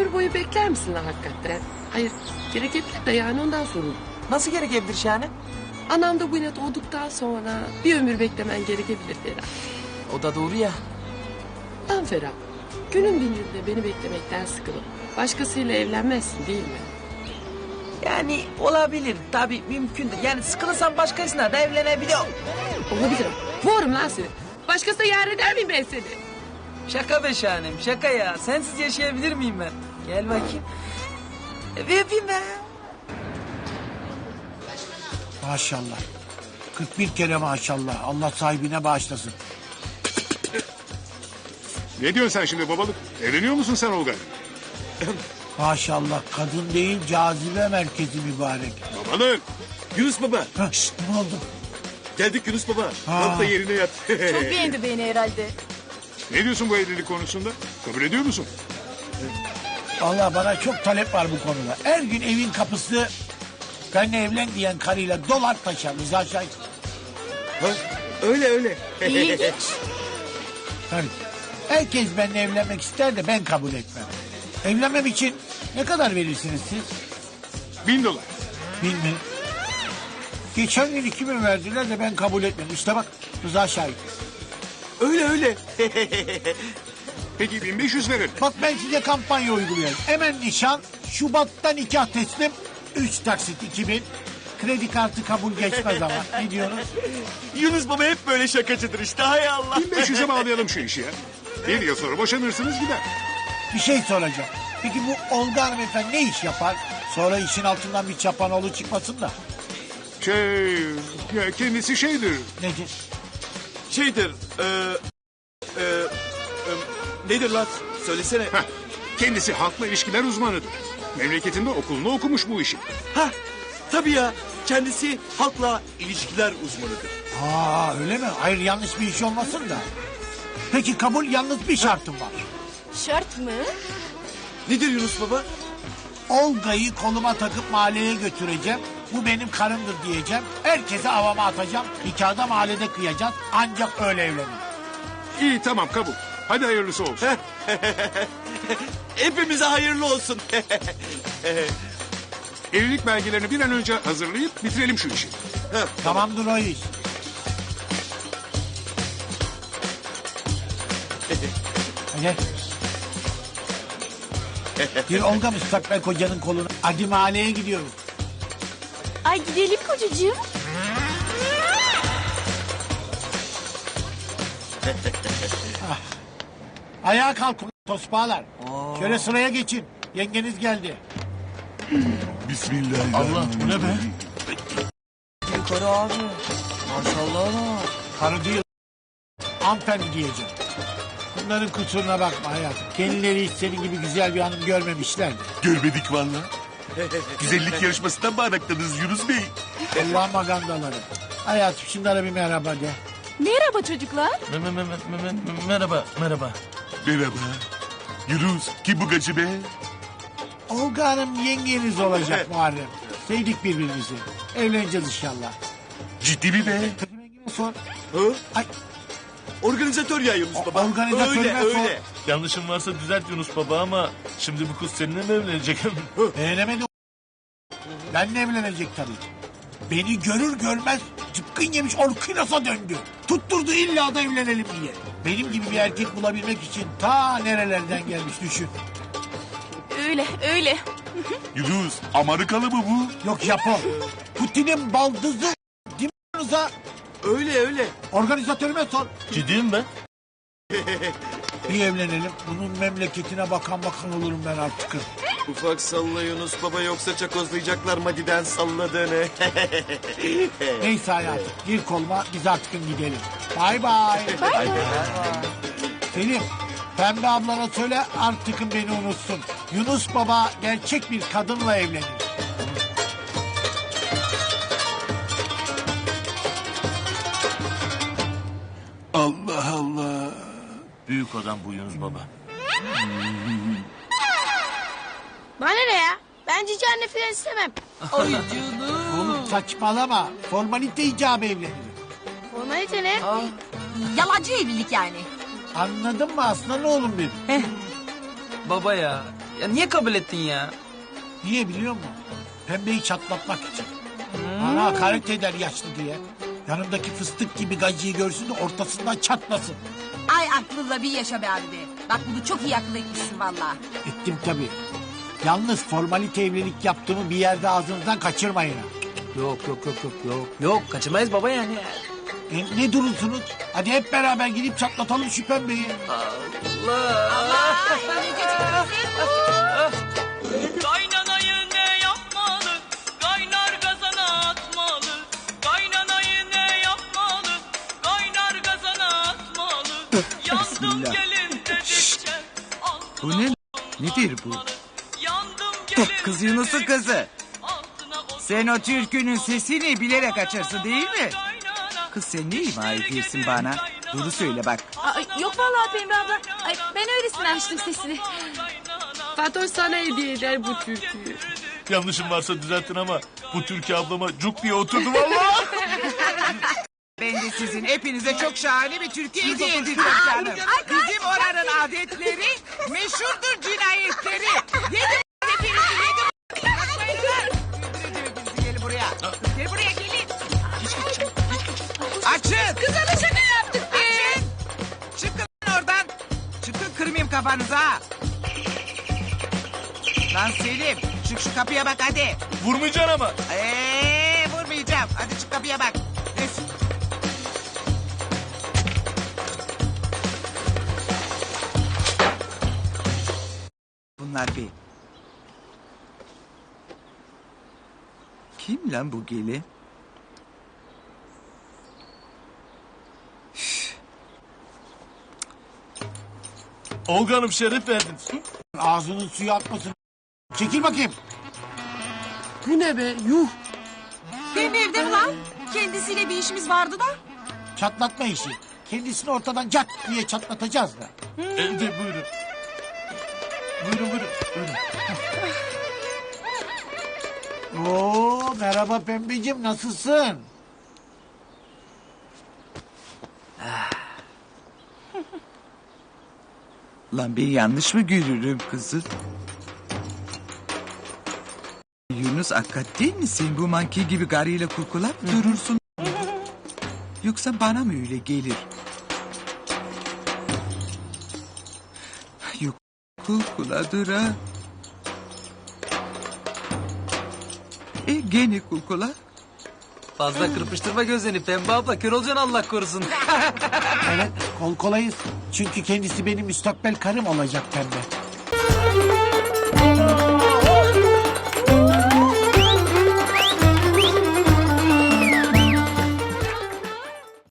ömür boyu bekler misin lan hakikaten? Hayır, gerekebilir de yani ondan sorun. Nasıl gerekebilir Şahane? Anam da bu yine doğduktan sonra bir ömür beklemen gerekebilir Ferhat. O da doğru ya. Lan Ferhat, günün birinde beni beklemekten sıkılıp başkasıyla evlenmezsin değil mi? Yani olabilir tabii mümkündür. Yani sıkılırsan başkasına da evlenebiliyor. Olabilirim. Vururum lan seni. Başkasına yar eder miyim ben seni? Şaka be Şahanem şaka ya. Sensiz yaşayabilir miyim ben? Gel bakayım. Bir öpeyim ben. Maşallah. 41 kere maşallah. Allah sahibine bağışlasın. Ne diyorsun sen şimdi babalık? Evleniyor musun sen Olga? Maşallah kadın değil cazibe merkezi mübarek. Babalık. Yunus baba. Hah, ne oldu? Geldik Yunus baba. Ha. Kalk da yerine yat. Çok beğendi beni herhalde. Ne diyorsun bu evlilik konusunda? Kabul ediyor musun? Allah bana çok talep var bu konuda. Her gün evin kapısı benimle evlen diyen karıyla dolar taşar. Rıza Şahit. Ha, öyle. İlginç. Tabii. Herkes benimle evlenmek ister de ben kabul etmem. Evlenmem için ne kadar verirsiniz siz? $1000. Bilmem. Geçen gün 2000 verdiler de ben kabul etmedim. İşte bak Rıza Şahit. Öyle. Peki 1500 verelim. Bak ben size kampanya uyguluyorum. Hemen nişan, Şubat'ta nikah teslim, 3 taksit 2000. Kredi kartı kabul geçmez ama. Ne diyorsunuz? Yunus baba hep böyle şakacıdır işte. Hay Allah. 1500'e bağlayalım şu işi ya. Bir yıl sonra boşanırsınız gider. Bir şey soracağım. Peki bu Olga hanımefendi ne iş yapar? Sonra işin altından bir çapanoğlu çıkmasın da. Ya kendisi şeydir. Nedir? Şeydir. Nedir lan? Söylesene. Heh, kendisi halkla ilişkiler uzmanıdır. Memleketinde okulunu okumuş bu işi. Ha, tabii ya. Kendisi halkla ilişkiler uzmanıdır. Aa öyle mi? Hayır yanlış bir iş olmasın da. Peki kabul yalnız bir şartım var. Şart mı? Nedir Yunus baba? Olga'yı koluma takıp mahalleye götüreceğim. Bu benim karımdır diyeceğim. Herkese havama atacağım. Nikahda mahallede kıyacağız. Ancak öyle evlenir. İyi tamam kabul. Hadi hayırlısı olsun. Hepimize hayırlı olsun. Evlilik belgelerini bir an önce hazırlayıp bitirelim şu işi. Tamamdır o iş. Hadi. Bir Olga müstakbel kocanın kolunu. Hadi mahalleye gidiyoruz. Ay gidelim kocacığım. Ayağa kalkın tosbağalar. Şöyle sıraya geçin. Yengeniz geldi. Allah bu ne be? Yukarı abi. Maşallah Allah. Karı değil. Hanımefendi diyeceğim. Bunların kusuruna bakma hayatım. Kendileri hiç senin gibi güzel bir hanım görmemişler. Görmedik valla. Güzellik yarışmasından mı araktınız Yunus Bey? Allah'ın magandaları. Hayatım şunlara bir merhaba de. Merhaba çocuklar. Merhaba. Merhaba. Yunus kim bu gacı be? Olga Hanım yengeniz olacak Muharrem. Sevdik birbirimizi. Evleneceğiz inşallah. Ciddi mi be? Rengime sor. Hı? Ay, Organizatör ya Yunus baba. organizatörüne sor. Öyle. Yanlışım varsa düzelt Yunus baba ama şimdi bu kız seninle mi evlenecek? Beğenemedi. Benle evlenecek tabii. Beni görür görmez cıpkın yemiş orkinasa döndü. Tutturdu illa da evlenelim diye. Benim gibi bir erkek bulabilmek için ta nerelerden gelmiş düşün. Öyle. Yunus Amerikalı mı bu? Yok Japon. Putin'in baldızı. Değil mi Rıza? Öyle. Organizatörüme sor. Ciddiyim ben. Bir evlenelim. Bunun memleketine bakan olurum ben artık. Ufak salla Yunus baba yoksa çakozlayacaklar Madi'den salladığını. Neyse hayatım gir koluma biz artık gidelim. Bay bay. Selim Pembe ablana söyle artık beni unutsun. Yunus baba gerçek bir kadınla evlenir. Allah Allah. Büyük adam bu Yunus baba. Bana ne ya? Ben cici anne falan istemem. Ay canım. Oğlum saçmalama. Formalite icabı evlenir. Formalite ne? Yalancı evlilik yani. Anladın mı aslan oğlum benim? Baba ya Ya niye kabul ettin ya? Niye biliyor musun? Pembeyi çatlatmak için. Bana hakaret eder yaşlı diye. Yanımdaki fıstık gibi gacıyı görsün de ortasından çatlasın. Ay aklınla bir yaşa be abi be. Bak bunu çok iyi akıl etmişsin valla. Ettim tabii. Yalnız formalite evlilik yaptığımı bir yerde ağzınızdan kaçırmayın ha. Yok. Yok kaçırmayız baba yani. Ne durursunuz? Hadi hep beraber gidip çatlatalım şu pembeyi. Kaynanayı ne yapmalı? Kaynar gazana atmalı. Kaynanayı ne yapmalı? Kaynar gazana atmalı. Yandım gelin dedikçe. Bu ne? Nedir bu? Yandım gelin Kız Yunus'un kızı. altına koy. Sen o türkünün sesini bilerek açarsın değil mi? Kız sen ne ima ediyorsun bana? Doğru söyle bak. Yok vallahi Pembe abla. Ay, ben öylesine açtım sesini. Fatoş sana hediye eder bu türküyü. Yanlışım varsa düzeltin ama bu Türkiye ablama cuk diye oturdu vallahi. Ben de sizin hepinize çok şahane bir türkü hediye edeceğim canım. Bizim oranın adetleri meşhurdur cinayetleri. Yedim hepinizi yedim. Kaçmayın lan. Öldüreceğim hepinizi, gelin buraya. Gel buraya gelin. Açın. Kıza da şaka yaptık be. Açın. Çıkın lan oradan. Çıkın kırmayayım kafanızı ha. Lan Selim çık şu kapıya bak hadi. Vurmayacaksın ama. Vurmayacağım. Hadi çık kapıya bak. Neyse. Bunlar bir. Kim lan bu gelin? Olga Hanım şeref verdiniz. Ağzının suyu atmasın. Çekil bakayım. Bu ne be? Yuh. Benim evde mi lan? Kendisiyle bir işimiz vardı da. Çatlatma işi. Kendisini ortadan cat diye çatlatacağız da. Evde buyurun. Buyurun. Oo, merhaba pembeciğim, nasılsın? Lan ben yanlış mı görürüm kızı? Yunus hakikat değil mi sen bu manki gibi garıyla kurkulap durursun? Yoksa bana mı öyle gelir? Yok kulkuladır ha. Gene kulkula. Fazla kırpıştırma gözlerini Pembe abla kör olacaksın Allah korusun. Evet, kol kolayız. Çünkü kendisi benim müstakbel karım olacak pembe.